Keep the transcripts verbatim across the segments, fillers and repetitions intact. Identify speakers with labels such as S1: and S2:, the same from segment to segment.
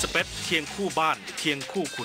S1: สเปซเคียงคู่บ้านเคียงคู่คุณ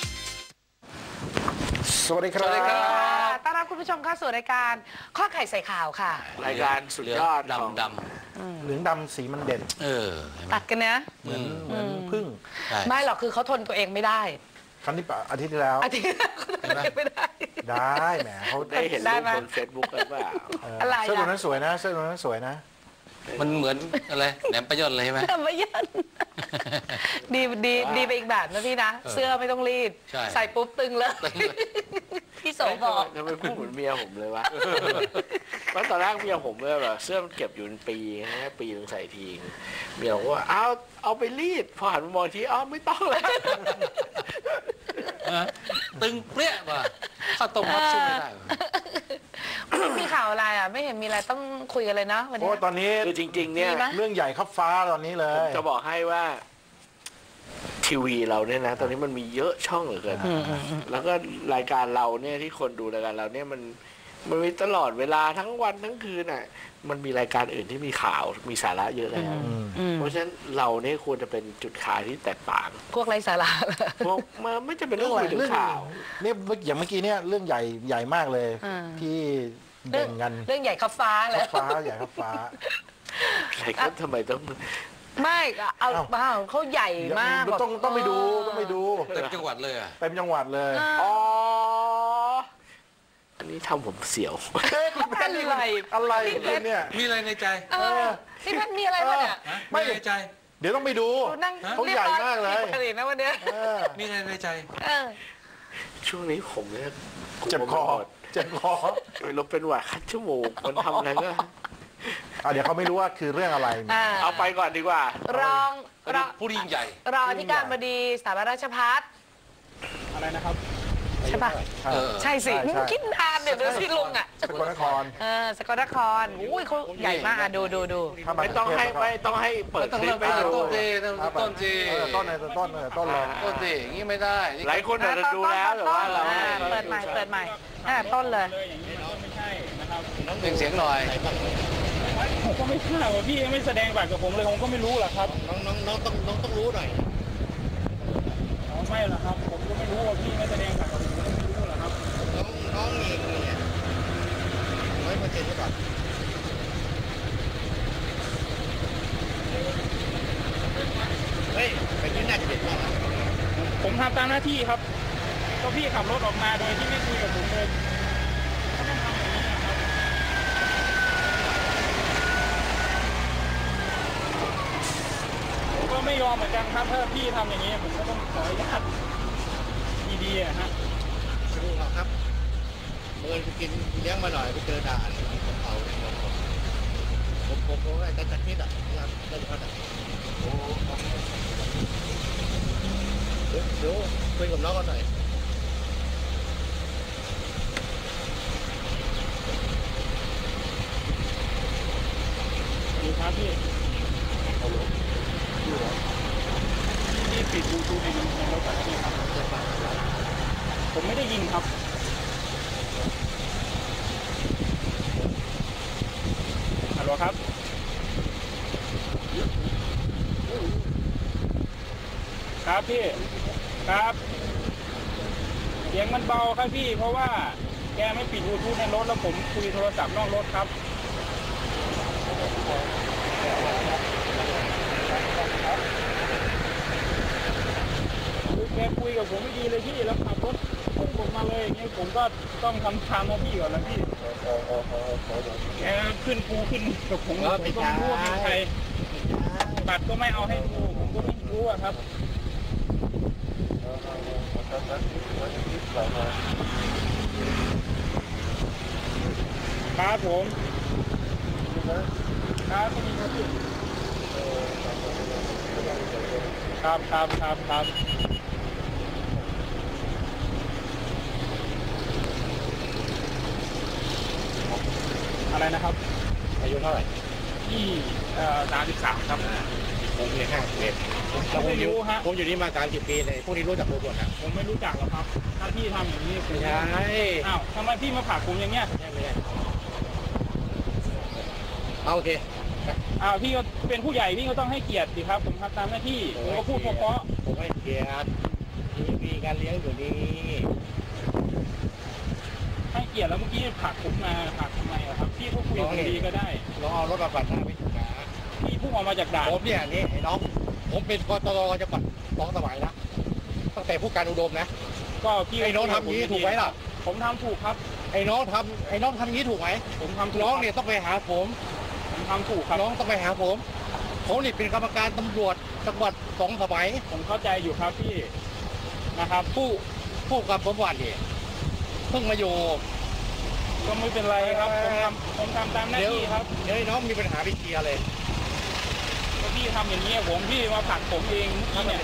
S2: สวัสดีครับ
S3: สวัสดีครับ
S4: ต้อนรับคุณผู้ชมเข้าสู่รายการข้อไข่ใส่ข่าวค่ะ
S3: รายการสุดยอดดำด
S2: ำเหลืองดำสีมันเด่น
S3: เออ
S4: ตัดกันนะ
S2: เหมือนเหมือนพึ่ง
S4: ไม่หรอกคือเขาทนตัวเองไม่ได้
S2: ครั้งนี้อาทิตย์ที่แล้ว
S4: อาทิตย์เขาทนตัวเองไม่ได้
S2: ได้แหมเขา
S3: ได้เห็นรูปบนเฟซบุ๊กกันว่า
S4: อะไร
S2: เสื้อตัวนั้นสวยนะเสื้อตัวนั้นสวยนะ
S3: มันเหมือนอะไรแหนมประยนเลยใช่ไหม
S4: แหนมประยนดีดีดีไปอีกแบบนะพี่นะเสื้อไม่ต้องรีดใส่ปุ๊บตึงเลยพี่โสบอก
S3: ทำไมพูดเหมือนเมียผมเลยวะเพราะตอนแรกเมียผมเลยแบบเสื้อมันเก็บอยู่เป็นปีนะปีนึงใส่ทีเมียบอกว่าเอาเอาไปรีดพอหันมามองทีอ้าวไม่ต้องแล้วตึงเปรี้ยว่ะข้าวต้มมัดสู้ไม่ได้
S4: มีข่าวอะไรอ่ะไม่เห็นมีอะไรต้องคุยกันเลยนะวันนี้
S2: โอ้ตอนนี้
S3: คือจริงๆเนี่ย
S2: เรื่องใหญ่ครับฟ้าตอนนี้เลย
S3: จะบอกให้ว่าทีวีเราเนี่ยนะตอนนี้มันมีเยอะช่องเหลือเกินแล้วก็รายการเราเนี่ยที่คนดูรายการเราเนี่ยมันมันมีตลอดเวลาทั้งวันทั้งคืนอ่ะมันมีรายการอื่นที่มีข่าวมีสาระเยอะแล้วเพราะฉะนั้นเราเนี่ยควรจะเป็นจุดขายที่แตกต่าง
S4: พวกไร้สาระ
S3: พวกมาไม่จะเป็นเรื่องคุยถึงข่าว
S2: นี่อย่างเมื่อกี้เนี่ยเรื่องใหญ่ใหญ่มากเลยที่เด่นกัน
S4: เรื่องใหญ่ขับฟ้าเลย
S2: ฟ้าใหญ่ขับฟ้า
S3: อะไรก็ทำไมต้อง
S4: ไม่เอาบ้าเขาใหญ่มาก
S2: ต้องต้องไปดูต้องไปดู
S3: เต็มจังหวัดเลยอ่ะ
S2: เต็มจังหวัดเลย
S3: อ๋ออันนี้ทำผมเสียว
S4: อะไร
S2: อะไรเนี่ย
S3: มีอะไรในใจ
S4: พี่เพชรมีอะไรบ้างเนี่ย
S3: ไม่ในใจ
S2: เดี๋ยวต้องไปดูเขาใหญ่มากเลย
S4: นะวันนี้
S3: มีอะไรในใจช่วงนี้ผมเนี่ย
S2: เจ็บคอเจ็บคอ
S3: เราเป็นหวัดคัดจมูกมันทำอะไรก็
S2: เดี๋ยวเขาไม่รู้ว่าคือเรื่องอะไร
S3: เอาไปก่อนดีกว่าร
S4: องรอง
S3: ผู้ยิ่งใหญ่
S4: รองที่การบดีสถาบันราชภัฏ
S2: อะไรนะครับ
S4: ใช่ป่ะใช่สิคิดนานเนี่ยเดี๋ยวพี่ลุงอ่ะ
S2: สกลนคร
S4: เออสกลนครอุ้ยเขาใหญ่มากดูดูดู
S3: ไม่ต้องให้ไม่ต้องให้เปิดคลิปไปดูต้นจีต้นจี
S2: ต้นเลยต้นเลยต้นเลย
S3: ต้นจีอย่างนี้ไม่ได้หลายคนอาจจะดูแล้วแต่ว่าเรา
S4: เปิดใหม่เปิดใหม่ต้นเลย
S5: อย่างนี้ไม่ใช่นะครับ
S3: เสียงเสียงหน่อย
S5: ผมก็ไม่ทราบว่าพี่ไม่แสดงบัตรกับผมเลยผมก็ไม่รู้หรอกครับ
S3: น้องน้องน้องต้องน้องต้องรู้หน่อย
S5: ไม่หรอกครับผมก็ไม่รู้ว่าพี่ไม่แสดงบัตรกับผมไม่รู้หรอกครับ
S3: น้องน้องเองเนี่ยร้อยเปอร์เซ็นต์หรือเปล่าเฮ้ยไปที่น่าจะเด็ดมาก
S5: ผมทำตามหน้าที่ครับก็พี่ขับรถออกมาโดยที่ไม่คุยกับผมเลยก็ต้องทำอย่างนี้นะครับผมก็ไม่ยอมเหมือนกันครับถ้าพี่ทำอย่างนี้ผมก็ต้องขออนุญาตดีๆฮะ
S3: รู้ครับเมื่อไปกินเลี้ยงมาหน่อยไปเจอด่านผมเอาผมผมผมได้จัดนิดอ่ะนะครับได้จัดโอ้เดี๋ยวเดี๋ยวคุยกับน้องกันหน่อย
S5: ดูครับพี่นี่ปิดบลูทูธในในรถแบบนี้ครับผมไม่ได้ยินครับฮัลโหลครับครับพี่ครับเสียงมันเบาครับพี่เพราะว่าแกไม่ปิดบลูทูธในรถแล้วผมคุยโทรศัพท์นอกรถครับแกคุยกับผมไม่ดีเลยพี่แล้วขับรถพุ่งผมมาเลยอย่างเงี้ยผมก็ต้องทำตามหน้าที่ก่อนแล้วพี่แกขึ้นกูขึ้นกับผมผมก็ไม่รู้ว่าเป็นใครบัตรก็ไม่เอาให้ดูผมก็ไม่รู้อะครับครับผมครับพี่ครับครับครับครับอะไรนะครับ
S3: อายุเท่าไหร่
S5: ที่สามสิบสามครับ
S3: ผมเนี่ยห้าสิบเอ็ดผมไม่รู้ฮะผมอยู่นี่มาสามสิบปีเลยพวกนี้รู้จักโรบอทนะ
S5: ผมไม่รู้จักหรอกครับถ้าพี่ทำอย่างนี้
S3: ไม่ใช่
S5: อ้าวทำไมพี่มาผลักผมอย่างเงี้ย
S3: ไม่ใช่เอาโอเค
S5: อ้าวพี่ก็เป็นผู้ใหญ่พี่ก็ต้องให้เกียรติสิครับผมทำตามหน้าที่ผมก็พูดเพราะ
S6: ผมให้เกียรติมีการเลี้ยงอยู่นี่
S5: ๆให้เกียรติแล้วเมื่อกี้ผลักผมมาผลักทำไมอะครับพี่ก็คุยกับผมดีก็ได้
S6: ลองเอารถมาปัดหน้าไปถูกนะ
S5: พี่พุ่งออกมาจากด่าน
S6: ผมเนี่ยนี่ไอ้น้องผมเป็นกตรจังหวัดสองสมัยนะตั้งแต่ผู้การอุดมนะ
S5: ก็พี่
S6: ไอ้น้องทำอย่างนี้ถูกไหมล่ะ
S5: ผมทำถูกครับ
S6: ไอ้น้องทำไอ้น้องทำอย่างนี้ถูกไหม
S5: ผมทำถูก
S6: น้องเนี่ยต้องไปหาผม
S5: ผมทำถูกครับ
S6: น้องต้องไปหาผมผมนี่เป็นกรรมการตำรวจจังหวัดสองสมัย
S5: ผมเข้าใจอยู่ครับพี่นะครับ
S6: ผู้ผู้กับผมวันนี่เพิ่งมาอยู่
S5: ก็ไม่เป็นไรครับผมทำผมทำตามหน้า
S6: เดี๋ยว
S5: ที่ครับ
S6: เดี๋ยวไอ้น้องมีปัญหาไปเคลียร์เลย
S5: ก็พี่ทำอย่างนี้ผมพี่มาผลักผมเองเมื่อกี้เนี่ย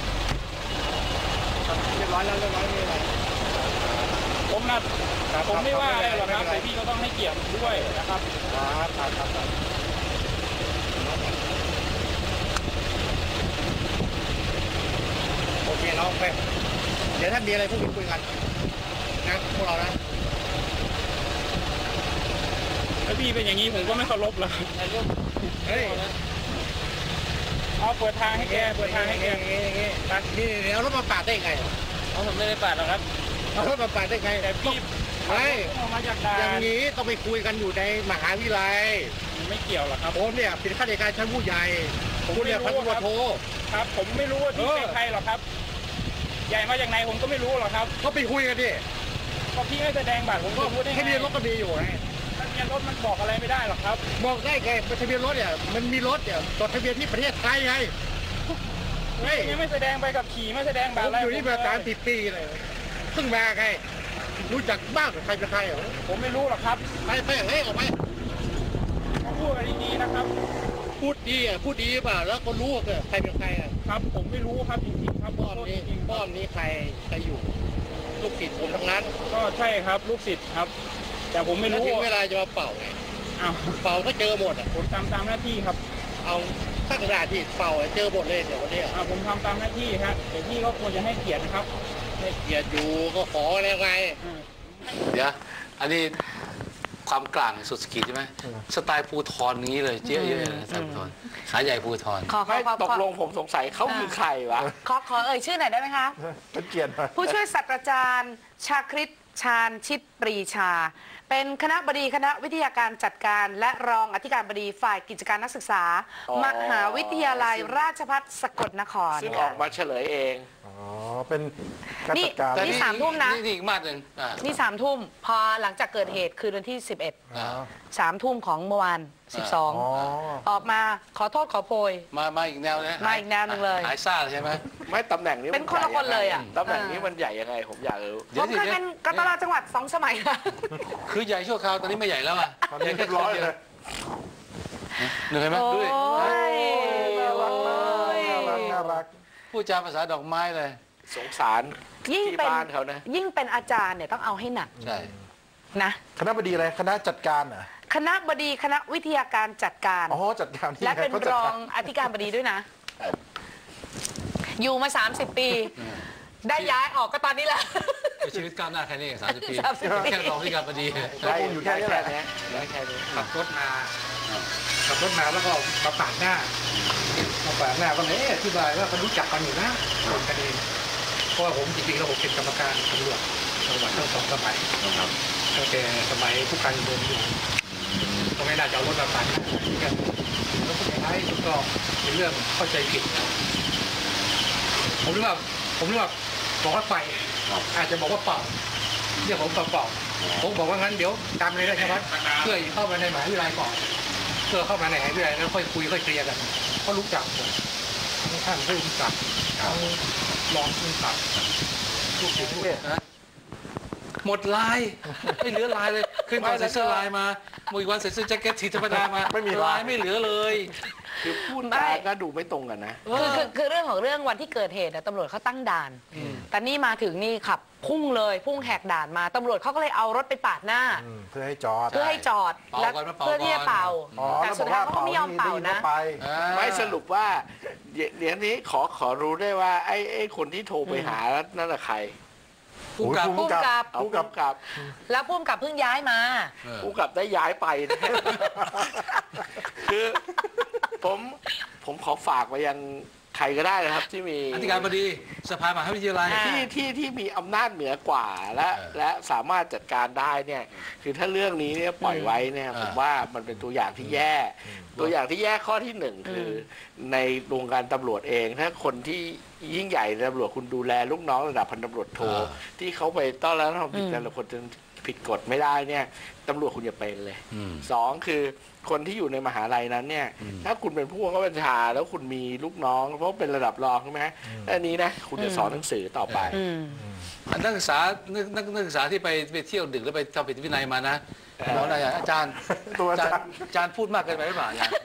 S6: เรียบร้อยแล้วเรียบร้อยไม่เป็นไร
S5: ผมนะผมไม่ว่าอะไรหรอกครับแต่พี่ก็ต้องให้เกียรติด้วยนะครับ
S6: ครับครับครับโอเคน้องไปเดี๋ยวถ้ามีอะไรพวกคุณคุยกันนะพวกเรานะ
S5: ถ้าพี่เป็นอย่างนี้ผมก็ไม่เคารพแล้วครับ
S6: เฮ้ย
S5: เอาเปิดทางให้แกเปิดทางให้แก
S6: อย่างงี้อย่างงี้ตัดนี่เดี๋ยวรถมาปาดได้ไง
S5: เอาผมไม่ได้ปาดหรอกครับ
S6: เอารถมาปาดได้ไง
S5: แต่พี่
S6: ไม่
S5: ออกมาจากด่า
S6: อย่าง
S5: น
S6: นี้ต้องไปคุยกันอยู่ในมหาวิทยาลัย
S5: ไม่เกี่ยวหรอกครับ
S6: ผมเนี่ยเป็นข้าราชการชั้นผู้ใหญ่ผมเนี่ยพันตำรวจโท
S5: ครับ ผมไม่รู้ว่าพี่
S6: เออ
S5: เป็นใครหรอกครับ ใหญ่มาจากไหนผมก็ไม่รู้หรอกครับ
S6: ก็ไปคุยกันดิ
S5: ก็พี่ไม่แสดงบัตรผม
S6: ก็
S5: จะพูดได้ไง
S6: ทะเบียนรถก็มีอยู่ไง
S5: ทะเบียนรถมันบอกอะไรไม่ได้หรอกครับ
S6: บอกได้ไงทะเบียนรถเนี่ยมันมีรถเนี่ยจดทะเบียนที่ประเทศไทยไงเฮ้ย
S5: ยังไม่แสดงใบขับขี่ไม่แสดง
S6: ผ
S5: บัตร
S6: ม
S5: อะไร
S6: อยู่นี่มาสามสิบปีเลยเพิ่งมาไงรู้จักบ้างใครเป็นใครเหรอ
S5: ผมไม่รู้หรอกครับ
S6: ไปไปเฮ้ยออกไป
S5: มาพูดกันดีๆนะครับ
S6: พูดดีอ่ะพูดดีเปล่าแล้วก็รู้ว่าใครเป็นใครอ่ะ
S5: ครับ ผมไม่รู้ครับจริงๆครับ
S6: ป้อมนี้
S5: จริงๆ
S6: ป้อมนี้ใครใครอยู่ลูกศิษย์ผมทั้งนั้น
S5: ก็ใช่ครับลูกศิษย์ครับ แต่ผมไม่
S6: แล้ว
S5: รู้
S6: ถึงเวลาจะมาเป่าไง
S5: อ้าว
S6: เป่าก็เจอหมดอ่ะ
S5: ผมทำตามหน้าที่ครับ
S6: เอาสักกระดาษที่เป่าอะเจอหมดเลยเดี๋ยววันนี้
S5: อ่าผมทำตามหน้าที่ครับแต่พี่ก็ควรจะให้เกียรตินะครับ
S6: ให้เกียรติอยู่ก็ขอแล้วไง
S5: อืม
S7: เดี๋ยวอันนี้ความกลางสุดสกีใช่ไหมสไตล์ภูทรนี้เลยเจ๊เยอะๆสไตล์ภูทรขาใหญ่ภูทร
S4: ขอขอ
S3: ไม่
S4: ขอ
S3: ต
S4: ข
S3: ก
S4: อ
S3: ลงผมสงสัยเขาคือใครวะ
S4: ขอขอเอ่ยชื่อหน่อยได้ไหมคะ
S2: เป็นเกียรติหน่อย
S4: ผู้ช่วยศาสตราจารย์ ชาคริตชาญชิตปรีชา เป็นคณะบดีคณะวิทยาการจัดการ และรองอธิการบดีฝ่ายกิจการนักศึกษา
S3: อ๋อ
S4: มหาวิทยาลัยราชภัฏสกลนคร
S3: ซึ่งออกมาเฉลยเอง
S2: อ๋อ เป็นการจัดการ
S4: นี่สามทุ่มนะ
S7: นี่อีกมาดหนึ่งอ่า
S4: นี่สามทุ่มพอหลังจากเกิดเหตุคืนวันที่สิบเอ็ด
S7: อ่า
S4: สามทุ่มของเมื่อวานสิบสอง
S2: อ๋อ
S4: ออกมาขอโทษขอโพย
S7: มามาอีกแนวนะ
S4: มาอีกแนวหนึ่งเลย
S7: หายซ่าใช่ไหม
S3: ไม่ตำแหน่งนี้
S4: เป็นคนละคนเลยอะ
S3: ตำแหน่งนี้มันใหญ่ยังไงผมอยากรู้
S7: เดี๋
S4: ผ
S7: ยว
S4: ม
S7: สิ
S4: เคยเป็นกตลจังหวัดสองสมัยนะ
S7: คือใหญ่ชั่วคราวตอนนี้ไม่ใหญ่แล้วอ่ะ
S2: ตอนนี้เรียบร้อยเลย
S7: เหนื่อยไหม
S4: โอ้
S7: ดูดิ
S4: ย
S2: น่ารักมากน่ารักน่ารัก
S7: พูดจาภาษาดอกไม้เลย
S3: สงสาร
S4: ยิ่ง
S3: ที่
S4: เป็น
S3: บ้านเขานะ
S4: ยิ่งเป็นอาจารย์เนี่ยต้องเอาให้หนัก
S7: ใช่
S4: นะ
S2: คณะบดีอะไร คณะจัดการเหรอ
S4: คณะบดีคณะวิทยาการจัดการ
S2: อ๋อ จัดการที่
S4: และ
S2: ไง
S4: เป็น
S2: เขาจั
S4: ร
S2: ด
S4: อก
S2: าง ร
S4: อธิการบดีด้วยนะ อยู่มา สามสิบ ปี ได้ย้ายออกก็ตอนนี้แหละ
S7: ชีวิตก้าวหน้าแค่นี้เองสามสิบปี
S4: สามสิบปี
S7: แค่รองที่การบดี
S2: ได้อยู่แค่นี้แหละ
S3: ได้แค่นี้
S6: ขับรถมาขับรถมาแล้วก็มาปาดหน้ามาปาดหน้าก็เลยอธิบายว่าเขารู้จักกันอยู่นะคนกันเองเพราะว่าผมจริงๆแล้วผมเป็นกรรมการตำรวจจังหวัดทั้งสองสมัยตั้งแต่สมัยผู้การเดินอยู่ก็ไม่น่าจะเอารถมาปาดหน้ากันแล้วสุดท้ายก็เป็นเรื่องเข้าใจผิดผมนึกว่าผมนึกว่าบอกว่าไปอาจจะบอกว่าเป่าเรียกผมเป่าเป่าผมบอกว่างั้นเดี๋ยวตามเลยได้ใช่ไหมเพื่อเข้ามาในมหาวิทยาลัยก่อนเพื่อเข้ามาในมหาวิทยาลัยแล้วค่อยคุยค่อยเคลียร์กันเขารู้จักผมท่านผู้รู้จักเขาลองรู้จักลูกศิษย์ลูก
S7: หมดลายไม่เหลือลายเลยขึ้นมาใส่เสื้อลายมามืออีกวันใส่เสื้อแจ็คเก็ตสีธรรมดามา
S2: ไม่มีลาย
S7: ไม่เหลือเลย
S3: คือพูด
S4: ไม่
S3: จาก็ดูไม่ตรงกันนะ
S4: คือคือคือเรื่องของเรื่องวันที่เกิดเหตุอะตำรวจเขาตั้งด่าน แต่นี่มาถึงนี่ขับพุ่งเลยพุ่งแหกด่านมาตำรวจเขาก็เลยเอารถไปปาดหน้า
S2: อืมเพื่อให้จอด
S4: เพื่อให้จอด
S7: เป่า
S4: และ
S7: ก่อนมาเป่า
S4: เพื่อที่จะเป่า
S2: อ๋อ
S4: แต่
S2: แล้วบ
S4: สุ
S2: อ
S4: ด
S2: ก
S4: ท้า
S2: ว่าย
S4: เขาก็ไม่ยอมเป่านะ
S2: ไป
S3: ไม่สรุปว่าเดี๋ยวเดี๋ยวนี้ขอขอรู้ได้ว่าไอ้ไอ้คนที่โทรไปหานั่นแหละใคร
S7: ผู้กำกับ
S2: ผู้กำกับ
S3: เอา
S2: ผู้
S3: ผู้
S2: กำกับ
S3: กำกับ
S4: แล้วพุ่มกับเพิ่งย้ายมา
S7: เออ
S3: ผู้กำกับได้ย้ายไปนะ คือผมผมขอฝากไปยังใครก็ได้นะครับ ที่มี
S7: อธิการบดีสภามหาวิทยาลัย
S4: อ่า
S3: ที่ที่ที่มีอำนาจเหนือกว่าและ
S7: เออ
S3: และสามารถจัดการได้เนี่ย คือถ้าเรื่องนี้เนี่ยปล่อยไว้เนี่ย
S7: อ่า
S3: ผมว่ามันเป็นตัวอย่างที่แย่ ตัวอย่างที่แย่ข้อที่หนึ่งคืออในวงการตำรวจเอง ถ้าคนที่ยิ่งใหญ่ในตำรวจคุณดูแลลูกน้องระดับพันตำรวจโท
S7: อ่า
S3: ที่เขาไปต้อนรับทำผิด
S4: อืม
S3: แต่ละคนจนผิดกฎไม่ได้เนี่ยตำรวจคุณอย่าเป็นเลย
S7: อืม
S3: สองคือคนที่อยู่ในมหาลัยนั้นเนี่ย
S7: อืม
S3: ถ้าคุณเป็นผู้บังคับบัญชาแล้วคุณมีลูกน้อง เพราะเป็นระดับรองใช่ไหมอันนี้นะคุณจะสอนหนังสือต่อไป
S4: อืม
S7: อันนักศึกษานักนักนักศึกษาที่ไปไปเที่ยวดึกแล้วไปทำผิดวินัยมานะบอกอะไรอ่ะอาจารย์
S2: ตัวอา
S7: อาจา
S2: จาร ร
S7: ย์
S2: ย์
S7: อาจารย์พูดมากเกินไปหรือเปล่าอาจารย์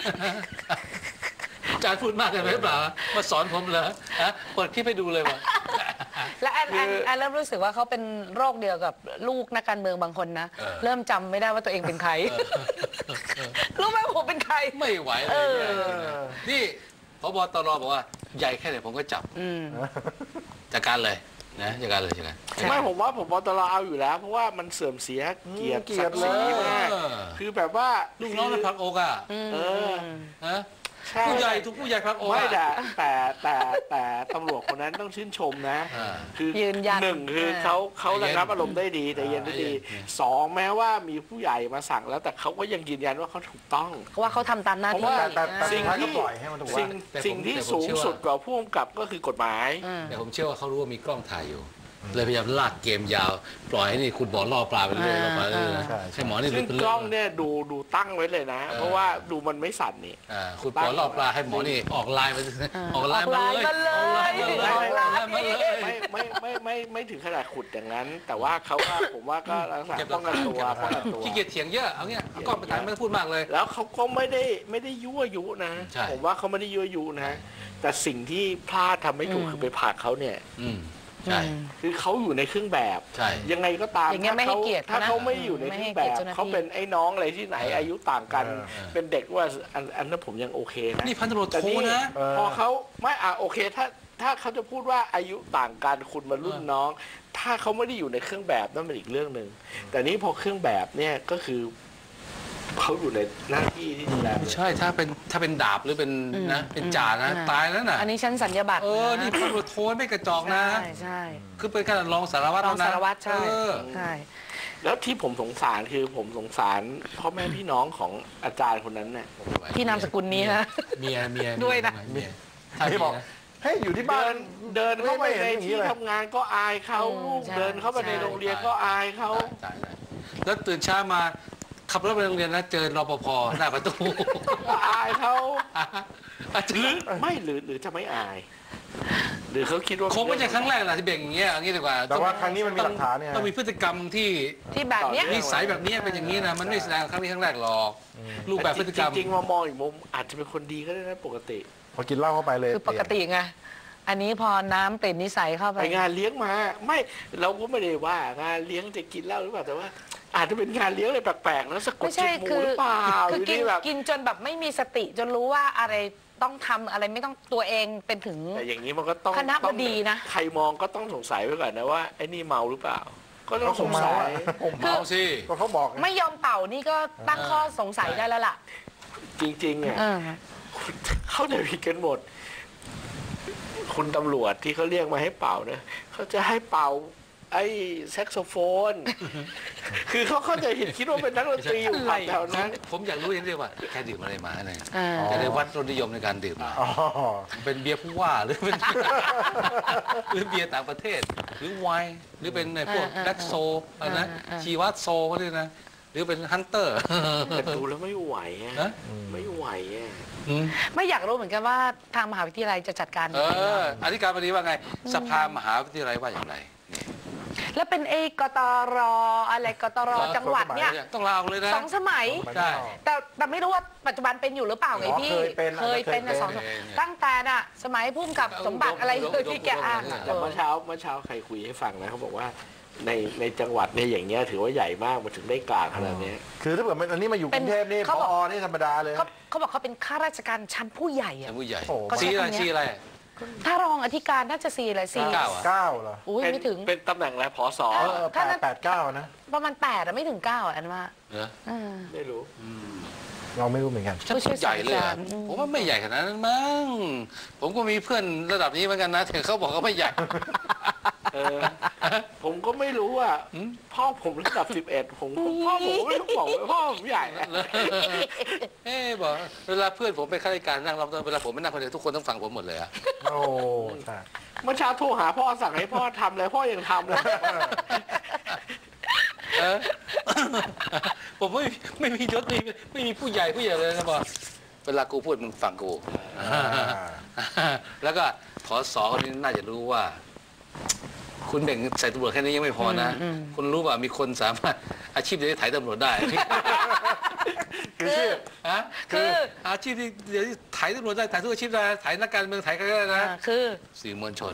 S7: อาจารย์พูดมากเกินไปหรือเปล่ามาสอนผมเหรอฮะเปิดคลิปให้ดูเลยว่ะ
S4: และแอนแอน
S3: คือ
S4: แอนเริ่มรู้สึกว่าเขาเป็นโรคเดียวกับลูกนักการเมืองบางคนนะ
S7: เออ
S4: เริ่มจำไม่ได้ว่าตัวเองเป็นใคร รู้ไหมผมเป็นใคร
S7: ไม่ไหวเลยเนี่ยนี่พบตรบอกว่าใหญ่แค่ไหนผมก็จับ
S4: อืม
S7: จัดการเลยนะจัดการเลยจัดการ
S3: ไม่ผมว่าผมตลอเอาอยู่แล้ว เพราะว่ามันเสื่อมเสียเกียรติ
S2: เกียร
S3: ศั
S2: ติ
S3: กดิ์ศรี
S2: เลย
S3: มาก
S7: เออ
S3: คือแบบว่า
S7: ลูกน้องในพักอกอ่ะ
S3: เออ
S7: ฮะ
S3: ใช่
S7: ผู้ใหญ่ทุกผู้ใหญ่พักอก
S3: ไม่
S7: อะ
S3: แต่แต่แต่แต่ตำรวจคนนั้นต้องชื่นชมนะ
S7: อ่า
S3: คือ
S4: ยืนยัน
S3: หนึ่งคือ
S4: เออ
S3: เขาเขา
S7: ใจเย็
S3: ระ
S7: น
S3: งับอารมณ์ได้ดีแต่เย็นได้ดี
S7: ใจเย็น
S3: สองแม้ว่ามีผู้ใหญ่มาสั่งแล้วแต่เขาก็ยังยืนยันว่าเขาถูกต้อง
S4: เพราะว่าเขาทำตามหน้า
S3: เพราะ
S4: ที่
S3: ว่า
S2: แต่แต่แต่
S3: สิ่
S2: สุ
S3: ง
S2: ดท้าย
S3: ที่
S2: ก็ปล่อยให้มันถูกว่า
S3: สิ่ง
S7: แต่ผม
S3: สิ่งที่
S7: แต่ผม
S3: สูง
S7: เชื่อว่า
S3: สุดกว่าผู้กำกับก็คือกฎหมาย
S4: อืม
S7: แต่ผมเชื่อว่าเขารู้ว่ามีกล้องถ่ายอยู่ เลยพยายามลากเกมยาว ปล่อยให้นี่คุณบอกล่อปลาไปเรื่อยๆล่อปลาเรื่อยๆนะ
S2: ใช่ใช่
S7: ให้หมอนี่
S3: ซึ่ง
S7: เป็น
S3: กล้องเนี่ยดูดูตั้งไว้เลยนะ
S7: เออ
S3: เพราะว่าดูมันไม่สั่นนี่
S7: อ่าคุณบอกล่อปลาให้หมอนี่ออกไลน์มาออกไลน์
S4: ออกไลน์
S7: มาเลย
S4: มาเลย
S7: ออกไลน์มาเลยออกไลน์มาเลย
S3: ไม่ไม่ไม่ไม่ไม่ถึงขนาดขุดอย่างนั้น แต่ว่าเขาก็ผมว่าก็ลักษณะป้องกันตัวป้องกันตัว
S7: ขี้เกียจเถียงเยอะเอาเงี้ยเอากล้องไปถ่ายไม่ต้องพูดมากเลย
S3: แล้วเขาก็ไม่ได้ไม่ได้ยั่วยุนะ
S7: ใช่
S3: ผมว่าเขาไม่ได้ยั่วยุนะ แต่สิ่งที่พลาดทำไม่ถูกคือไปผลักเขาเนี่ย
S7: อืมใช่
S3: คือเขาอยู่ในเครื่องแบบ
S7: ใช่
S3: ยังไงก็ตาม
S4: อย่างเงี้ยไม่ให้เกียรติ
S3: ถ้า
S4: เขานะ
S3: เขาไม่อยู่ในเครื่องแบบ
S4: ไม่ให้เกียรติเจ้าหน้าที่
S3: เขาเป็นไอ้น้องอะไรที่ไหน
S7: เอออ
S3: อายุต่างกัน
S2: เออ
S3: เป็นเด็กว่าอันอันนั้นผมยังโอเคนะ
S7: นี่พันตำรวจ
S3: แต่
S7: โท
S3: นี่
S7: นะ
S2: เออ
S3: พอเขาไม่อ่ะโอเคถ้าถ้าเขาจะพูดว่าอายุต่างกันคุณมารุ่นน้อง ถ้าเขาไม่ได้อยู่ในเครื่องแบบนั่นเป็นอีกเรื่องหนึ่งแต่นี้พอเครื่องแบบเนี่ยก็คือเขาอยู่ในหน้าที่ที่ดูแล
S7: ไม่ใช่ถ้าเป็นถ้าเป็นดาบหรือเป็นนะเป็นจ่านะ
S4: อืม
S7: ตายแล้วน่ะ
S4: อันนี้ชั้นสัญญาบัตร
S7: เออนี่พันตำรวจโทไม่กระจอกนะ
S4: ใช่ใช่
S7: คือเป็นขนาดรองสารวัตร
S4: รอง
S7: แล้นะ
S4: สารวัตรใช่
S7: เออ
S4: ใช่
S3: แล้วที่ผมสงสารคือผมสงสารพ่อแม่พี่น้องของอาจารย์คนนั้นเนี่ย
S4: ที่นามสกุลนี้นะ
S7: เมียเมีย
S4: ด้วยนะ
S7: เมียถ้า
S2: ไม่
S7: มี
S2: บอก
S7: นะ
S2: ให้อยู่ที่บ้า
S3: เดิ
S2: น
S3: นเดินเข้าไป
S2: ไม่เห็น
S3: ใน
S2: อย่างนี้
S3: ที่
S2: เลย
S3: ทำงานก็อายเขา
S4: อืม
S3: ลูก
S4: ใช่
S3: เดินเข้าไปใน
S4: ใช่
S3: โรงเรียนก็อายเขา
S7: ตายตายแล้วตื่นเช้ามาขับรถไปโรงเรียนนะเจอรปภหน้าประตู
S3: ก็อายเขา
S7: อาจจะ
S3: หรือไม่หรือหรือจะไม่อาย หรือเขาคิดว่า
S7: คงไม่ใช่ครั้งแรกแหละที่เบ่งอย่างเงี้ยเอางี้ดีกว่า
S2: แต่ว่าครั้งนี้มันมีหลักฐานเนี่ย
S7: ต้องมีพฤติกรรมที่
S4: ที่แบบเนี้ย
S7: นิสัยแบบนี้เป็นอย่างนี้นะมันไม่แสดงครั้งนี้ครั้งแรกหรอกรูปแบบพฤติกรรม
S3: จริงๆมามองอีกมุมอาจจะเป็นคนดีก็ได้นะปกติ
S2: พอกินเหล้าเข้าไปเลย
S4: คือปกติไง อันนี้พอน้ำเปลี่ยนนิสัยเข้าไป
S3: ไปงานเลี้ยงมาไม่เราก็ไม่ได้ว่างานเลี้ยงจะกินเหล้าหรือเปล่าแต่ว่า อาจจะเป็นงานเลี้ยงอะไรแปลกๆแล้วสะกด
S4: ไม่
S3: จิ
S4: ใช่
S3: ตหมู
S4: คือ
S3: หรือเปล่า
S4: คือ
S3: หรื
S4: กิน
S3: นี่แบบ
S4: กินจนแบบไม่มีสติจนรู้ว่าอะไรต้องทำอะไรไม่ต้องตัวเองเป็นถึง
S3: แต่อย่างนี้มันก็ต้อง
S4: คณะบ
S3: ต้อง
S4: ดีนะ
S3: ใครมองก็ต้องสงสัยไว้ก่อนนะว่าไอ้นี่เมาหรือเปล่า ก็ต้อ
S2: ก็
S3: ง
S2: ค
S3: ส
S2: ง
S3: ง
S2: เมา
S3: สั
S2: อะ
S3: ย
S2: ผม
S7: เมาสิ
S2: ก็เขาบอกไง
S4: ไม่ยอมเป่านี่ก็ตั้งข้อสงสัยได้แล้วล่ะ
S3: จริงๆอ่ะ
S4: เออ
S3: เข้าใจผิดกันหมด คุณตำรวจที่เขาเรียกมาให้เป่าเนี่ยเขาจะให้เป่า ไอ้แซกโซโฟน คือเขาเข้าใจผิดคิดว่าเป็นนักดนตรีอยู่ผับแถวนั้น
S7: ผมอยากรู้อย่างเดียวว่าแกดื่มอะไรมาเนี่ย
S4: อ่า
S2: อ๋อ
S7: แกได้วัดรสนิยมในการดื่มมา
S2: อ๋อ
S7: เป็นเบียร์ผู้ว่าหรือเป็น หรือเบียร์ต่างประเทศ หรือไวน์หรือเป็นไอ้พวก
S4: อ่า
S7: แบล็กโซอะไรนะ
S4: อ่าอ่า
S7: ชีวัตโซก็ได้นะ หรือเป็นฮันเตอร์
S3: แต่ดูแล้วไม่ไหวอะ
S7: ฮะ
S3: ไม่ไหวอะ
S7: อืม
S4: ไม่อยากรู้เหมือนกันว่าทางมหาวิทยาลัยจะจัดการ
S7: เอออธิการบดีว่าไง สภามหาวิทยาลัยว่าอย่างไรนี่
S4: แล้วเป็นเอกตรอะไรกตรจังหวัดเนี่ย
S7: ต้องลาออกเลยนะ
S4: สองสมัย
S7: ใช่
S4: แต่แต่ไม่รู้ว่าปัจจุบันเป็นอยู่หรือเปล่าไง
S2: อ๋อ
S4: พี่
S2: เคยเป็น
S4: เคยเป็น
S2: อาจจะเคยเป็น
S4: นะสอง
S7: เป็น
S4: ตั้งแต่น่ะ สมัยพุ่มกับสมบัติอะไรเลยที่แกอ่านอะ
S3: แต่เมื่อเช้าเมื่อเช้าใครคุยให้ฟังนะเขาบอกว่าในในจังหวัดเนี่ยอย่างเงี้ยถือว่าใหญ่มากมันถึงได้กลางขนาดเนี้ย
S2: คือถ้าเกิดมันอันนี้มาอยู่กรุงเทพนี่
S4: เขา
S2: พ
S4: บอก
S2: อนี่ธรรมดาเลย
S4: เขาเขาบอกเขาเป็นข้าราชการชั้นผู้ใหญ่
S7: ท่า
S4: อะ
S7: นผู้ใหญ่
S2: โอ้
S4: ก็ใช้
S7: ชี้อะไร
S4: คำเนี้ย
S7: ชี้อะไร
S4: ถ้ารองอธิการน่าจะสี่อะไรสี่
S7: เก้าอะ
S2: เก้าเหรอ
S4: อุ้ย
S3: เป็น
S4: ไม่ถึง
S3: เป็นตำแหน่งอะไรผอสอ
S2: เออแปดแปดเก้านะ
S4: ประมาณแปดอะไม่ถึงเก้าอะอันว่า
S7: เหรอ
S4: เออ
S3: ไม่รู้
S2: เราไม่รู้เหมือนกัน
S7: ฉันพูดใหญ่เลยอะ
S4: ผู้ช่วยศาสตราจารย์อืม
S7: ผมว่าไม่ใหญ่ขนาดนั้นมั้งผมก็มีเพื่อนระดับนี้เหมือนกันนะแต่เขาบอกว่าไม่ใหญ่
S3: เออ ผมก็ไม่รู้อ่ะ
S7: อืม
S3: พ่อผมระดับสิบเอ็ดผมพ่อผมก็ไม่รู้บอกว่าพ่อผมใหญ่นะ
S7: เอ๊ะบอกเวลาเพื่อนผมไปข้าราชการนั่งรับเวลาผมไม่นั่งคนเดียวทุกคนต้องฟังผมหมดเลยอะ
S2: โอ้ใช่
S3: เมื่อเช้าโทรหาพ่อสั่งให้พ่อทำเลยพ่อยังทำเลย
S7: เออผมไม่ไม่มียศไม่มีไม่มีผู้ใหญ่ผู้ใหญ่เลยนะบอกเวลากูพูดมึงฟังกู แล้วก็ผอสอคนนี้น่าจะรู้ว่า คุณแบ่งใส่ตำรวจแค่นี้ยังไม่พอนะ คุณรู้ว่ามีคนสามารถอาชีพเดียวที่ถ่ายตำรวจได้
S2: คือชื่อ
S7: ฮะ
S4: คือ
S7: อาชีพที่เดี๋ยวนี้ถ่ายตำรวจได้ถ่ายทุกอาชีพได้ถ่ายนักการเมืองถ่ายใครก็ได้นะ
S4: อ่าคือ
S7: สื่อมวลชน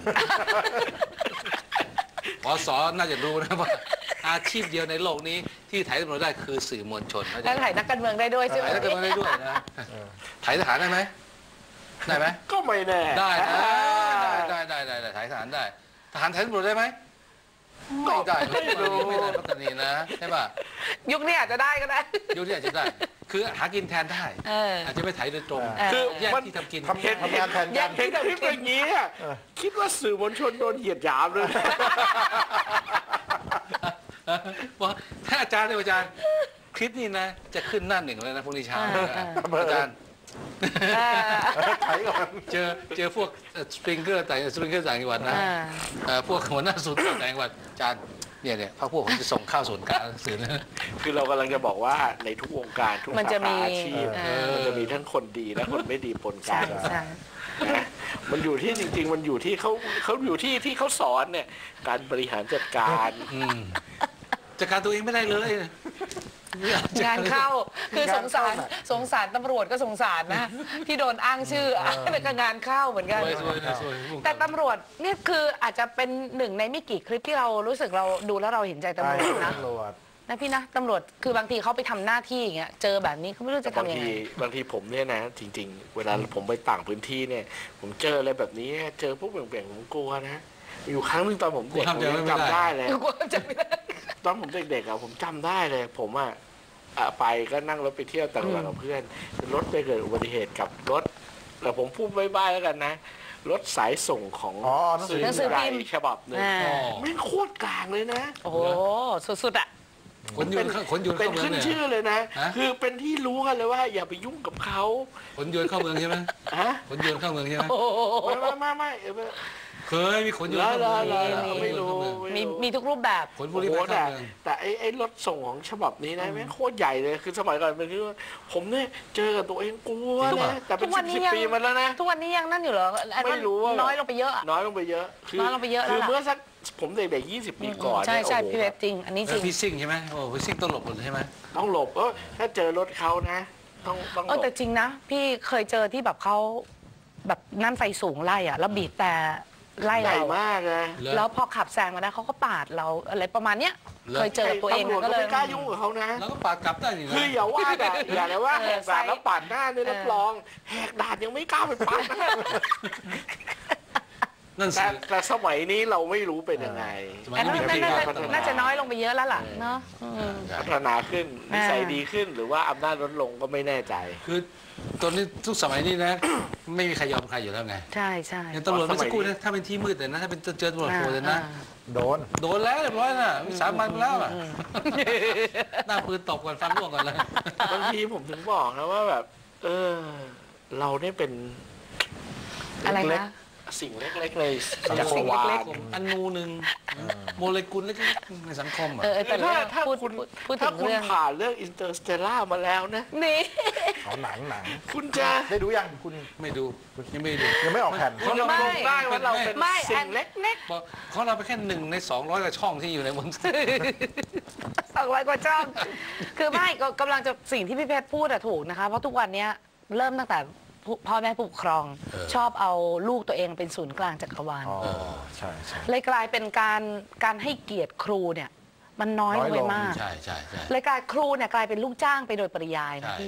S7: ผอสอน่าจะรู้นะว่าอาชีพเดียวในโลกนี้ที่ถ่ายตำรวจได้คือสื่อมวลชนเข้าใจ
S4: แล้ว
S7: ไหม
S4: ถ่ายนักการเมืองได้ด้วยใช่ไหม
S7: ถ่ายนักการเมืองได้ด้วยนะถ่ายทหารได้ไหมได้ไหม
S3: ก็ไม่แน่
S7: ได้นะได้ได้ได้ได้ถ่ายทหารได้ทหารถ่ายตำรวจได้ไหมไม่ได้ไม่รู้ไม่ได้ปัตตานีนะใช่ป่ะ
S4: ยุคนี้อาจจะได้ก็ได้
S7: ยุคนี้อาจจะได้ คือหากินแทนได้
S4: เออ
S7: อาจจะไม่ถ่ายโดยตรง
S4: เออ
S3: คือ
S7: แยก
S3: มัน
S7: ที่ทำกิน
S2: ทำทำงานแทน
S4: แย
S2: กั
S4: ก
S2: น
S3: เห็นคลิปอย่างนี้อะคิดว่าสื่อมวลชนโดนเหยียดหยามเลย
S7: ว่าถ้าอาจารย์เนี่ยอาจารย์คลิปนี้นะ จะขึ้นหน้าหนึ่งเลยนะพรุ่งนี้เช้า
S4: อ่าอ่า
S7: อาจารย์
S4: อ่า
S2: ถ่ายก่อน
S7: เจอเจอพวกสปริงเกอร์ต่างสปริงเกอร์ต่างจังหวัดนะ
S4: อ่า
S7: เอ่อพวกหัวหน้าศูนย์ต่างจังหวัดอาจารย์เนี่ยเนี่ยพรรคพวกผมจะส่งข้าวส่วนกลางสื่อนะ
S3: คือเรากำลังจะบอกว่าในทุกวงการทุก
S4: มัน
S3: สา
S4: จะมี
S3: ขาอาชีพ
S4: เออ
S3: มันจะมีทั้งคนดีและคนไม่ดีปนกั
S4: ใช่
S3: น
S4: ใช่
S3: นะมันอยู่ที่จริง ๆ มันอยู่ที่เขาเขาอยู่ที่ที่เขาสอนเนี่ย การบริหารจัดการ
S7: อืมจัดการตัวเองไม่ได้เลย
S4: งานเข้าคือสงสารสงสารตำรวจก็สงสารนะที่โดนอ้างชื่อแต่ก็งานเข้าเหมือนกัน
S7: สวยสวยสวย
S4: แต่ตำรวจเนี่ยคืออาจจะเป็นหนึ่งในไม่กี่คลิปที่เรารู้สึกเราดูแล้วเราเห็นใจตำรวจนะ
S2: ตำรวจ
S4: นะพี่นะตำรวจคือบางทีเขาไปทำหน้าที่อย่างเงี้ยเจอแบบนี้เขาไม่รู้จะ
S3: บาง
S4: ทำยัง
S3: ที
S4: ไง
S3: บางทีผมเนี่ยนะ จริง ๆ เวลาผมไปต่างพื้นที่เนี่ย ผมเจออะไรแบบนี้เจอพวกเบี่ยงๆผมกลัวนะ อยู่ครั้งหนึงตอนผมเด็กผมยังจำได้เลย
S4: กลัวจะไม่ได้
S3: ตอนผมเด็กๆอะผมจำได้เลย ผมอะอ่ะไปก็นั่งรถไปเที่ยวต่างจังหวัดกับเพื่อนรถไปเกิดอุบัติเหตุกับรถแต่ผมพูดใบ้ๆแล้วกันนะ รถสายส่งของ
S2: อ๋อหนังสือ
S4: หนังสือ
S3: ให
S4: พิ
S3: ญ่
S4: มพ์
S3: ฉบับหนึ่ง
S4: อ่า
S3: แม่งโคตรกลางเลยนะ
S4: โอ้โหสุดๆอ่ะ
S7: ขนยนต์เข้าขนยนต์
S3: เป็
S7: เข้าน เมือง
S3: ขึ้น
S7: เนี่ย
S3: ชื่อเลยนะ
S7: ฮะ
S3: คือเป็นที่รู้กันเลยว่า อย่าไปยุ่งกับเขา
S7: ขนยนต์เข้าเมืองใช่ไหม
S3: ฮะ
S7: ขนยนต์เข้าเมืองใช่ไหม
S4: โอ้โห
S3: ไม่ไม่ไม่ไม่เออไม่
S7: เคยมีขนยนต์
S3: แล้ว
S7: เข้า
S3: แล้
S7: เมื
S3: ว
S7: อง
S3: แล้วไม่รู้
S4: มีมีทุกรูปแบบ
S7: ขนบุ
S3: โอ้
S7: รี
S3: โห
S7: ไปเข้า
S3: แต่
S7: เมือง
S3: แต่ไอ้ไอ้รถส่งของฉบับนี้นะแม่งโคตรใหญ่เลยคือสมัยก่อนเป็นที่ว่าผมเนี่ยเจอกับตัวเองกลัวนะแต่เป็น
S4: ทุกวั
S3: สิ
S4: น
S3: บ
S4: นี้
S3: สิบ
S4: ยัง
S3: ปีมาแล้วนะ
S4: ทุกวันนี้ยังนั่นอยู่เหรออันนั้น
S3: ไม่รู้ว่า
S4: น้อยลงไปเยอะอะ
S3: น้อยลงไปเยอะ
S4: น้อยลงไปเยอะแล้ว
S3: คือ
S4: ล่ะ
S3: เมื่อสักผมเด็กๆยี่สิบปีก่อน
S4: ใช่
S3: เนี่ย
S4: ใช่
S3: โอ้โห
S4: พี่เวฟจริง อันนี้จ
S7: แล้
S4: ริ
S7: ว
S4: ง
S7: พี่ซิ่งใช่ไหมโอ้พี่ซิ่งต้องหลบหมดเลยใช่ไหม
S3: ต้องหลบเออถ้าเจอรถเขานะ ต้องต้องห
S4: เอ
S3: ล
S4: อบ แต่จริงนะ พี่เคยเจอที่แบบเขาแบบนั่นไฟสูงไล่อะแล้วบีบแต่ไล่
S3: ใหญ่
S4: เรา
S3: มากนะ
S7: เหรอ
S4: แล้วพอขับแซงมาได้เขาก็ปาดเราอะไรประมาณเนี้ย
S7: เหรอ
S4: เคยเจอกับตัวเอง
S3: ตำรวจ
S4: ก็
S3: ก็
S4: เลย
S3: ไม่กล้ายุ่งกับเขานะ
S7: แล้วก็ปาดกลับได้นี่นะ
S3: คืออย่าว่าแต่อย่าเลยว่า
S4: เอ
S3: แห
S4: อก
S3: ด่าน
S4: ไซส์
S3: แล้วปาดหน้าเนี่ยรับรองแหกด่านยังไม่กล้าไปปาดหน้า
S7: นั่นสิ
S3: แต่แต่สมัยนี้เราไม่รู้เป็นยังไง
S7: สมัย
S4: อัน
S7: นี้
S4: นั้น
S7: มี
S4: น่า
S7: การ
S4: จะ
S7: พัฒนา
S4: น่าจะน้อยลงไปเยอะแล้วล่ะเนาะอืม
S3: พัฒนาขึ้นนิสัย
S4: อ่า
S3: ดีขึ้นหรือว่าอำนาจลดลงก็ไม่แน่ใจ
S7: คือตอนนี้ทุกสมัยนี้นะ ไม่มีใครยอมใครอยู่แล้วไง
S4: ใช่ใช่
S7: อย่างตำรวจเมื่อสักครู่นะถ้าเป็นที่มืดแต่นะถ้าเป็นเจอตำรวจโผล่เลยนะ
S4: อ่า
S2: โดน
S7: โดนแล้วเรียบร้อยน่ะมีสามวันแล้วอ่ะหน้าปืนตบก่อนฟันร่วงก่อนเลย
S3: บางทีผมถึงบอกนะว่าแบบ เออ เราเนี่ยเป็น
S4: อะไร
S3: เล็ก
S4: นะ
S3: ๆสิ่งเล็กๆในจักร
S4: สิ่ง
S3: วา
S4: เล็
S3: ล
S4: ก
S7: อนูหนึ่งโมเลกุลเล็กๆในสังคมอ่ะ
S4: เออแต่
S3: ถ้า
S4: เรื่อง
S3: ถ้า
S4: พูด
S3: คุณ
S4: พูดพูดถึ
S3: ถ้าง คุณ
S4: เรื่อง
S3: ผ่านเรื่องอินเตอร์สเตลล่ามาแล้วนะ
S4: นี่
S2: เอาหนังหนัง
S3: คุณจะ
S2: ได้ดูยังคุณ
S7: ไม่ดูยังไม่ดู
S2: ยังไม่ออกแผ่น
S3: คุณจะมองได้ว่าเราเป็น
S4: ไม่
S3: สิ่งเล็ก
S7: บอกเขาเราไปแค่หนึ่งในสองร้อยกว่าช่องที่อยู่ในบน
S4: สองร้อยกว่าช่อง คือไม่ก็กำลังจะสิ่งที่พี่เพชรพูดอะถูกนะคะ เพราะทุกวันเนี้ยเริ่มตั้งแต่ผู้พ่อแม่ผู้ปกครอง
S7: เออ
S4: ชอบเอาลูกตัวเองเป็นศูนย์กลางจักรวาล
S2: อ๋อ ใช่ใช่
S4: เลยกลายเป็นการการให้เกียรติครูเนี่ย มันน้อยลงไป
S2: น้อยลง
S4: มาก
S7: ใช่ใช่ใช่
S4: เลยกลายครูเนี่ยกลายเป็นลูกจ้างไปโดยปริยายนะ
S7: ใช่
S4: พี่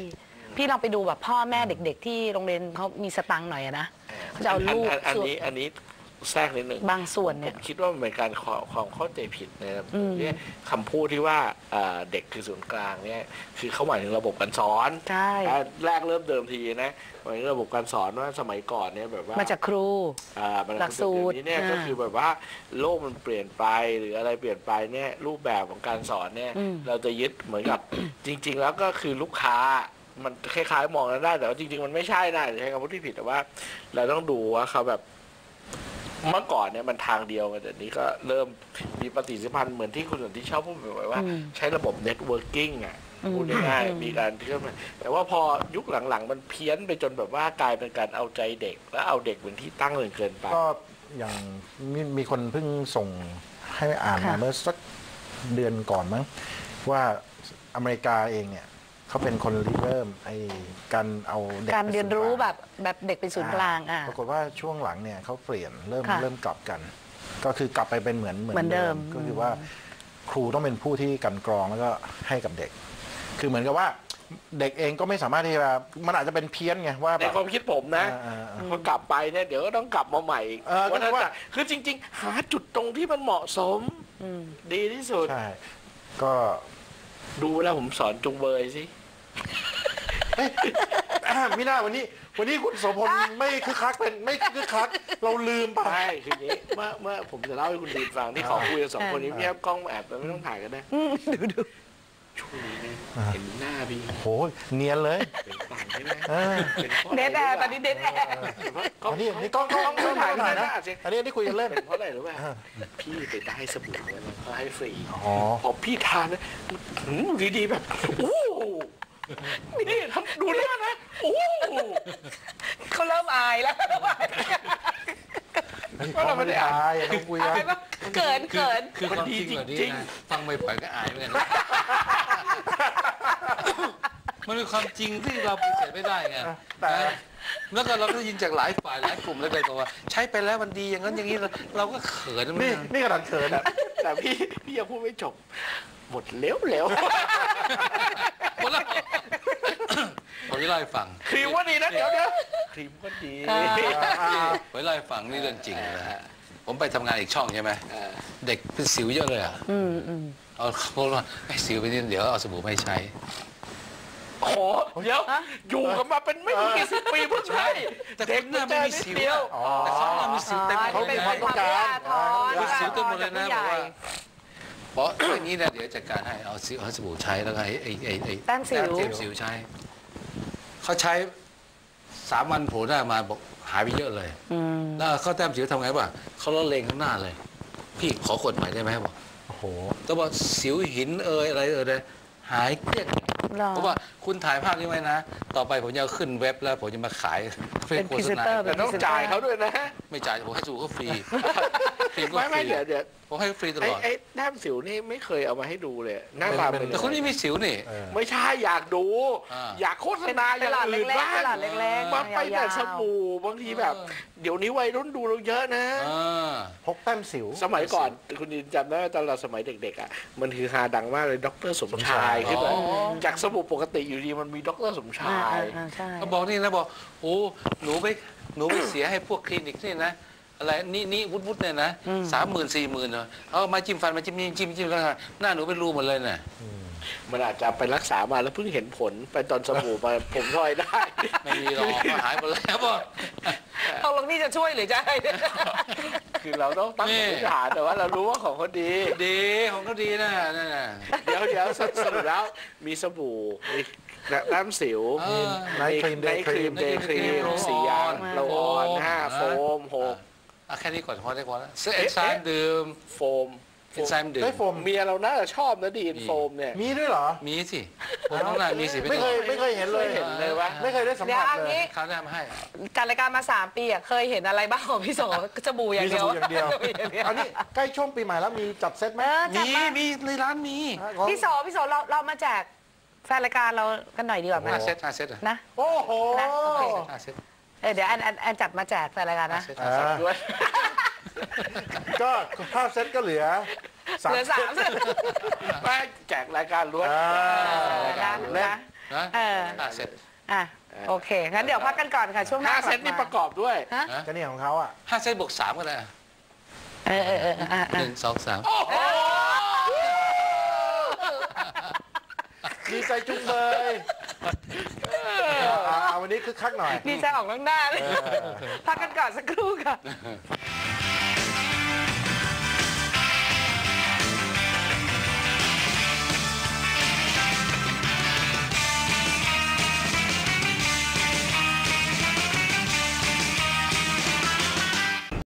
S4: พี่ลองไปดูแบบพ่อแม่เด็ก ๆ ที่โรงเรียนเขามีสตังค์หน่อยอะนะเขาจะเอาลูก
S3: อันอันนี้อันนี้แทรกนิดหนึ่ง
S4: บางส่วนเนี่ย
S3: ผมคิดว่ามันเป็นการขอความเข้าใจผิดนะครับเนี่ยคำพูดที่ว่าเอ่อเด็กคือศูนย์กลางเนี่ยคือเขาหมายถึงระบบการสอน
S4: ใช่
S3: แรกเริ่มเดิมทีนะหมายถึงระบบการสอนว่าสมัยก่อนเนี่ยแบบว่า
S4: มาจากครู
S3: อ่ามัน
S4: หลักสูตร
S3: เดี๋ยวนี้เนี่ย
S4: อ่า
S3: ก็คือแบบว่าโลกมันเปลี่ยนไปหรืออะไรเปลี่ยนไปเนี่ยรูปแบบของการสอนเนี่ย
S4: อืม
S3: เราจะยึดเหมือนกับ จริง ๆ แล้วก็คือลูกค้ามันคล้ายๆมองกันได้แต่ว่าจริง ๆ มันไม่ใช่นะใช้คำพูดที่ผิดแต่ว่า เราต้องดูว่าเขาแบบเมื่อก่อนเนี่ยมันทางเดียวกันแต่นี้ก็เริ่มมีปฏิสัมพันธ์เหมือนที่คุณสันติชอบพูดบ่อยๆว่า
S4: อืม
S3: ใช้ระบบเน็ตเวิร์กิ่งอ่ะ
S4: อืม
S3: พูดง่าย
S4: อืม
S3: ๆมีการเชื่อมแต่ว่าพอยุคหลังๆ มันเพี้ยนไปจนแบบว่ากลายเป็นการเอาใจเด็ก แล้วเอาเด็กเป็นที่ตั้งเลยเกินไป
S2: ก็อย่างมีมีคนเพิ่งส่งให้อ่านมา
S4: ค่ะ
S2: เมื่อสักเดือนก่อนมั้งว่าอเมริกาเองเนี่ยเขาเป็นคนริเริ่มไอ้การเอาเด็ก
S4: การเรียนรู้
S2: ไป
S4: แบบแบบเด็กเป็นศูนย์กลางอ่ะ
S2: ปรากฏว่าช่วงหลังเนี่ยเขาเปลี่ยนเริ่ม
S4: ค่ะ
S2: เริ่มกลับกัน ก็คือกลับไปเป็นเหมือน
S4: เหมือนเดิม
S2: ก็คือว่าครูต้องเป็นผู้ที่กลั่นกรองแล้วก็ให้กับเด็ก คือเหมือนกับว่าเด็กเองก็ไม่สามารถที่จะมันอาจจะเป็นเพี้ยนไงว่า
S3: ใน
S2: แบบ
S3: ความคิดผมนะ
S2: อ่าๆ
S3: พอกลับไปเนี่ยเดี๋ยวก็ต้องกลับมาใหม่อีก
S2: เออก็
S3: วันนั้น
S2: คือว่า
S3: น่ะคือจริง ๆ หาจุดตรงที่มันเหมาะสม
S4: อืม
S3: ดีที่สุด
S2: ใช่ก็
S3: ดูแล้วผมสอนจุงเบยสิ
S2: เอ้ย ไม่น่าวันนี้ วันนี้คุณโสพลไม่คึกคักเป็นไม่คึกคัก เราลืมไป
S3: ใช่คืออย่างนี้เมื่อเมื่อผมจะเล่าให้คุณดีฟังที่ขอคุยกับสองคนนี้พี่แอบกล้องมาแอบแต่ไม่ต้องถ่ายกันนะ
S4: ดูดู
S3: ช่วงนี้เนี่ยเห็นหน้าพี่
S2: โหเนียนเลย
S3: เป็นต่างใช่ไหม
S2: เออ
S3: เป็นเพราะ
S4: เด
S3: อะไร
S4: ทแอร์ตอนนี้เดทแอร์
S2: อันนี้อันนี้กล้องกล้องกล้องถ่ายหน่อยนะ อันนี้อันนี้คุยกันเล่น
S3: เป็นเพราะอะไรรู้ป่ะพี่ไปได้สบู่เนี่ยมันเขาให้ฟรี
S2: อ๋อ
S3: พอพี่ทานนะหืมดีๆแบบโอ้นี่ทำดูหน้านะโอ้
S4: เขาเริ่มอายแล้ว
S3: ก็เราไม่ได้อ่าน
S2: อายต้องคุยกัน
S4: อายปะเกินเกิน
S7: คือความจริงแบบนี้
S3: จริง
S7: นะฟังไม่ปล่อยก็อายเหมือนกันนะมันเป็นความจริงที่เราปฏิเสธไม่ได้ไง
S2: แต่
S7: นะแล้วก็เราก็ได้ยินจากหลายฝ่ายหลายกลุ่มแล้วไปบอกว่าใช้ไปแล้วมันดีอย่างนั้นอย่างนี้เราเราก็เขินนะ
S2: นี่
S7: มัน
S2: นี่ขนาดเขิน
S3: แต่แต่พี่พี่ยังพูดไม่จบ หมดเร็วเร็ว
S7: หมดแล้วผมจะเล่าให้ฟัง
S3: ครีมก็ดีนะเดี๋ยวเดี๋ยวครีมก็ดี
S4: อ่า
S7: ผมจะเล่าให้ฟังนี่เรื่องจริงเลยนะฮะผมไปทำงานอีกช่องใช่ไหม
S3: เออ
S7: เด็กเป็นสิวเยอะเลยอ่ะ
S4: อืมอืม
S7: เอาเขาบอกว่าไอ้สิวไปนี่เดี๋ยวเอาสบู่ไม่ใช้
S3: โอ้โหเดี๋ยวอยู่กันมาเป็นไม่รู้กี่สิบปีเพิ่งใช่
S7: แต่
S3: เด็ก
S7: หน้าไม่มีสิว
S3: เดียว
S2: อ๋อ
S7: แต่เขาหน้ามีสิวเต็มหมด
S2: เขา
S7: เล
S2: เป็
S7: ย
S2: น
S7: นะ
S2: ความต้องการ
S4: ทอน
S7: มีสิวเต็มหมดเลยนะ
S4: ท
S7: บอก
S4: ผู้ใหญ่
S7: ว่าเพราะอย่างนี้นะเดี๋ยวจัดการให้เอาสิวเอาสบู่ใช้แล้วก็ไอ้ไอ้ไอ้ไอ้
S4: แต้มสิว
S7: เจ็บสิวใช้เขาใช้สามวันโผล่หน้ามาบอกหายไปเยอะเลย
S4: อืม
S7: แล้วเขาแต้มสิวทำไงป่ะเขาละเลงข้างหน้าเลย พี่ขอกดใหม่ได้ไหมบอก
S2: โอ้โห
S7: แต่ว่าสิวหินเอ่ยอะไรเอ่ยเลยหายเกลี้ยง
S4: หรอ
S7: เพราะว่าคุณถ่ายภาพนี้ไว้นะ ต่อไปผมจะเอาขึ้นเว็บแล้วผมจะมาขาย
S4: เป็น
S7: โฆษณา
S4: พรีเซนเตอร์
S3: แต่ต้องจ่ายเขาด้วยนะ
S7: ไม่จ่ายผมให้สูก็ฟรีฟรีก็
S3: ไม่
S7: ฟ
S3: ไม่
S7: รี
S3: เดี๋ยวเดี๋ยว
S7: ผมให้ฟรีต
S3: ไอ้
S7: ลอด
S3: ไอ้แต้มสิวนี่ไม่เคยเอามาให้ดูเลยหน้าตาเป็น
S7: แต่คนนี้มีสิวนี่
S2: เออ
S3: ไม่ใช่อยากดู
S7: อ่า
S3: อยากโฆษณาอ
S4: เป็น
S3: ย่าง
S4: หลอด
S3: อื่น
S4: เล็ก
S3: บ้า
S4: ๆเป็นหลอด
S3: ง
S4: เล็กๆ
S3: มาไปแต่
S4: ยาวๆ
S3: สบู่บางทีแบบ เดี๋ยวนี้วัยรุ่นดูเราเยอะนะ
S7: อ่า
S2: พกแต้มสิว
S3: สมัยก่อนคุณดินจำได้ว่าตอนเราสมัยเด็กๆอ่ะมันคือฮาดังมากเลยดรสมชายขึ้นมาจากสบู่ปกติอยู่ดีมันมีดรสมชา
S4: อ่าย อ่าใช่
S7: เขาบอกนี่นะบอกโอ้หนูไปหนูไปเสียให้พวกคลินิกนี่นะอะไรนี่นี่วุฒิวุฒิเนี่ยนะสามหมื่นสี่หมื่นเนาะเอามาจิ้มฟันมาจิ้มจิ้มจิ้มจิ้มแล้วหน้าหนูเป็นรูหมดเลยน่ะ
S3: มันอาจจะไปรักษามาแล้วเพิ่งเห็นผลไปตอนสบู่มาผมทอยได้
S7: ไม่มีหรอกก็หายหมดแล้วบอก
S4: ตกลงนี่จะช่วยหรือจะให้
S3: คือเราต้องตั้ง
S7: นี่
S3: สมมติฐานแต่ว่าเรารู้ว่าของเขาดี
S7: ดีของก็ดีนะนั่นน่ะ
S3: เดี๋ยวเดี๋ยวสสรุปแล้วมีสบู่มีน้ำสิว
S7: เออ
S2: ไนท์ครีม
S3: ไนท์ครีม
S2: เด
S3: เด
S2: ย์
S3: ย์
S2: ค
S3: ค
S2: รี
S3: รี
S2: ม
S3: มสียางโรลออนห้าโฟมหก
S7: อ่ะแค่นี้ก่อนพอได้พอแล้วเสื้อเอนไซม์ดื่ม
S3: โฟม
S7: เอนไซม์ดื่ม
S2: ได้โฟม
S3: เมียเราน่าจะชอบนะดีนโฟมเนี่ย
S2: มีด้วยเหรอ
S7: มีสิผมต้องน่ามีสิ
S2: ไม่เคยไม่เคยเห็นเลย
S3: ไม่เห็นเลยวะ
S2: ไม่เคยได้สัม
S4: เดี๋ยว
S2: ผัส
S4: อัน
S2: เลย
S4: นี้
S7: เขาได้มาให้
S4: การรายการมาสามปีอะเคยเห็นอะไรบ้างของพี่โสสบู่อย่าง
S2: มีส
S4: เดียว
S2: บู่อย่างเดียว อันนี้ใกล้ช่วงปีใหม่แล้วมีจัดเซตไหม
S4: เออจัด
S7: มี
S4: มา
S7: มีในร้านมี
S4: พี่โสพี่โสเราเรามาแจกแฟนรายการเรากันหน่อยดีกว่าไหม
S7: ห้าเซตห้าเซตอ่ะ
S4: นะ
S2: โอ้โห
S4: นะโอเค
S7: ห้าเซต
S4: เออเดี๋ยวอันอันอันจัดมาแจกแฟนรายการ
S7: ห้า
S4: นะ
S7: เซต
S2: อ่า
S3: ด้วย
S2: ก็ห้าเซตก็เหลือสาม
S4: เหลือสาม
S2: เซต
S3: ไม่แจกรายการล้วน
S2: อ่า
S3: รายการล้วน
S4: นะ
S7: นะ
S4: เออ
S7: ห้าเซต
S4: อ่ะโอเคงั้นเดี๋ยวพักกันก่อนค่ะช่วงหน้า
S3: ห้าเซตนี่ประกอบด้วย
S4: ฮะ
S2: ก็เนี่ยของเขาอ่ะ
S7: ห้าเซตบวกสามก็ได้อะ
S4: เออเออเอออ่ะอ่ะ
S7: หนึ่งสองสาม
S2: ดีใจจุงเบยเอาวันนี้คึกคักหน่อย
S4: ดีใจออกน้ำหน้าเลย
S2: เออ
S4: พักกันก่อนสักครู่ค่ะ
S7: เ